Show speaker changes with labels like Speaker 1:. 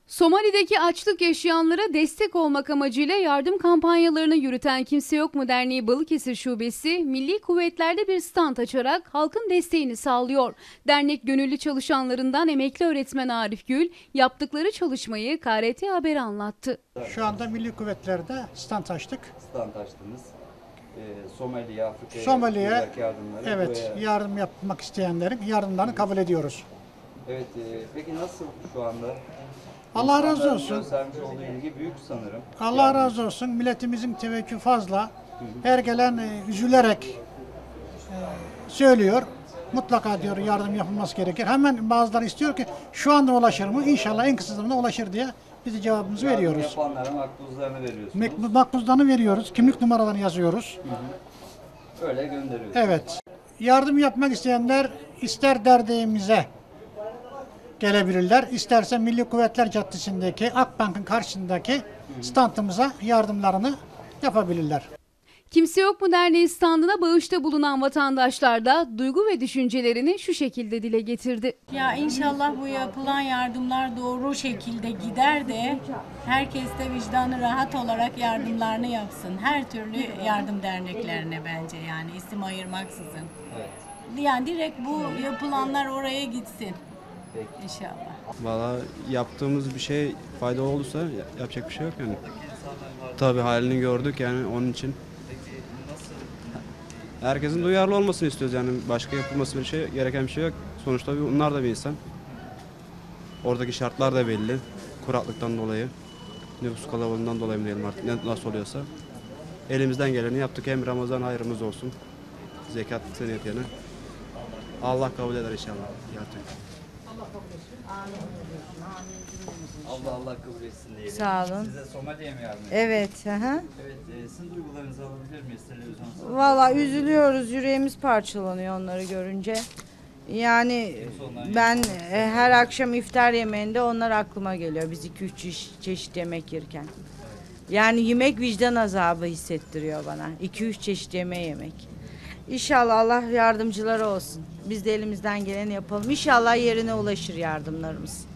Speaker 1: Somali'deki açlık yaşayanlara destek olmak amacıyla yardım kampanyalarını yürüten Kimse Yok Mu Derneği Balıkesir Şubesi, Milli Kuvvetler'de bir stand açarak halkın desteğini sağlıyor. Dernek gönüllü çalışanlarından emekli öğretmen Arif Gül, yaptıkları çalışmayı KRT Haber'e anlattı.
Speaker 2: Şu anda Milli Kuvvetler'de stand açtık.
Speaker 3: Stand açtınız. Somali'ye, Afrika'ya
Speaker 2: Somali'ye
Speaker 3: yardımları.
Speaker 2: evet, yardım yapmak isteyenlerin yardımlarını kabul ediyoruz.
Speaker 3: Evet, peki nasıl şu anda?
Speaker 2: Allah razı
Speaker 3: İnsanların
Speaker 2: olsun.
Speaker 3: göstermiş olduğu ilgi büyük sanırım.
Speaker 2: Allah razı olsun. Milletimizin teveccühü fazla. Her gelen üzülerek söylüyor. Mutlaka diyor yardım yapılması gerekir. Hemen bazıları istiyor ki şu anda ulaşır mı? İnşallah en kısa zamanda ulaşır diye biz de cevabımızı veriyoruz.
Speaker 3: Yapanlara makbuzlarını veriyorsunuz.
Speaker 2: Makbuzlarını veriyoruz. Kimlik numaralarını yazıyoruz.
Speaker 3: Öyle gönderiyorsunuz.
Speaker 2: Evet. Yardım yapmak isteyenler ister derneğimize gelebilirler. İsterse Milli Kuvvetler Caddesi'ndeki Akbank'ın karşısındaki standımıza yardımlarını yapabilirler.
Speaker 1: Kimse Yok Mu Derneği standına bağışta bulunan vatandaşlar da duygu ve düşüncelerini şu şekilde dile getirdi.
Speaker 4: Ya inşallah bu yapılan yardımlar doğru şekilde gider de herkes de vicdanı rahat olarak yardımlarını yapsın. Her türlü yardım derneklerine bence, yani isim ayırmaksızın.
Speaker 3: Evet.
Speaker 4: Yani direkt bu yapılanlar oraya gitsin. İnşallah.
Speaker 5: Valla yaptığımız bir şey faydalı olursa yapacak bir şey yok yani. Tabii halini gördük yani, onun için. Herkesin duyarlı olmasını istiyoruz yani, başka yapılması bir şey gereken bir şey yok. Sonuçta onlar da bir insan. Oradaki şartlar da belli. Kuraklıktan dolayı, nüfus kalabalığından dolayı mı diyelim artık, nasıl oluyorsa. Elimizden geleni yaptık. Hem Ramazan hayrımız olsun. Zekat senetine. Allah kabul eder inşallah. Gerçekten.
Speaker 3: Allah kabul etsin diyelim.
Speaker 6: Sağ olun.
Speaker 3: Size Somali'ye mi yardım ediyorsunuz?
Speaker 6: Evet.
Speaker 3: Evet, sizin duygularınızı alabilir miyiz televizyonda?
Speaker 6: Valla üzülüyoruz. Yüreğimiz parçalanıyor onları görünce. Yani ben her akşam iftar yemeğinde onlar aklıma geliyor. Biz 2-3 çeşit yemek yerken. Yani yemek vicdan azabı hissettiriyor bana. 2-3 çeşit yemeği yemek. İnşallah Allah yardımcıları olsun. Biz de elimizden geleni yapalım. İnşallah yerine ulaşır yardımlarımız.